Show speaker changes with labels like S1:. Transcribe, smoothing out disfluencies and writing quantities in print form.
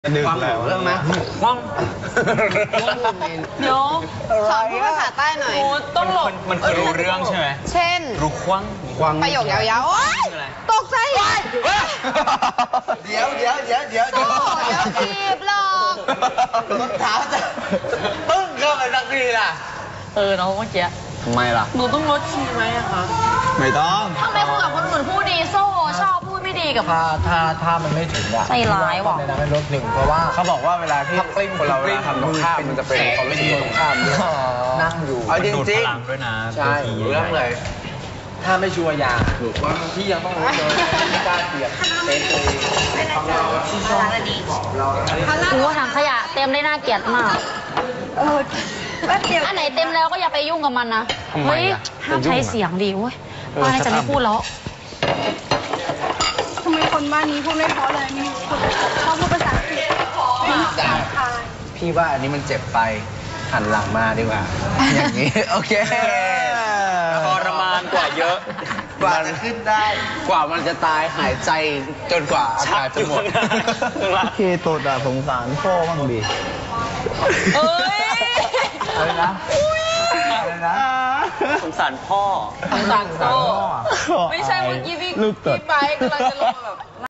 S1: ดึกแล้วเรื่องนะว่าง
S2: เดี๋ยว
S3: สอนพูดภาษาใต้หน่อย
S2: ต้องหลบ
S1: มันคือรู้เรื่องใช่ไหม
S3: เช่น
S1: รู้ควัง
S3: ประโยคยาวๆโอ๊ยตกใจ
S4: เดี๋ยว
S3: โซ่เดี๋ยวจีบหรอก
S4: รองเท้าจะปึ้งเข้าไปสักทีล่ะ
S2: น้องเมื่อกี้
S1: ทำไมล่ะ
S2: หนูต้องลดคีย์ไหมอะคะ
S1: ไม่ต้อง
S2: ทำไมพูดกับคนอื่นพูดดีโซ่ชอบพูดไม่ดีกับ
S4: ถ้ามันไม่ถึงอะ
S2: ใจร้ายว่ะ
S4: ในนั้นลดหนึ่งเพราะว่า
S1: เขาบอกว่าเวลาที่คนเราทำตรงข้ามมันจะเป็นความรู้สึกตรงข้ามด้วย
S4: นั่งอยู่
S1: เอาจริงๆด้วยนะ
S4: ใช่เรื่องเลยถ้าไม่ชัวร์ยาถูกว่าพี่ยังต้องรู้เลยไม่กล้าเสี่ยงเต้นเลย
S2: ว่าถังขยะเต็มได้น่าเกลียดมากอันไหนเต็มแล้วก็อย่าไปยุ่งกับมันนะเฮ้ยห้ามใช้เสียงดีเว้ยป้าจะไม่พูดแล้ว
S3: ทำไมคนบ้านนี้พูดไม่เพราะเลยมีคนชอบพูดภาษาอังกฤษ
S4: พี่ว่าอันนี้มันเจ็บไปหันหลังมาดีกว่าอย่างนี้โอเค
S1: ทรมานกว่าเยอะ
S4: กว่าจะขึ้นได้กว่ามันจะตายหายใจจนกว่าอากาศจะหมด
S1: เคโตดสงสารพ่อบ้างดิ
S2: เอ้ย
S4: อะไรนะอะไรนะ
S1: สงสารพ่อ
S2: สงสารพ่อไม่ใช่เมื่อกี้พี่ไปกำลังจะลงมาแบบ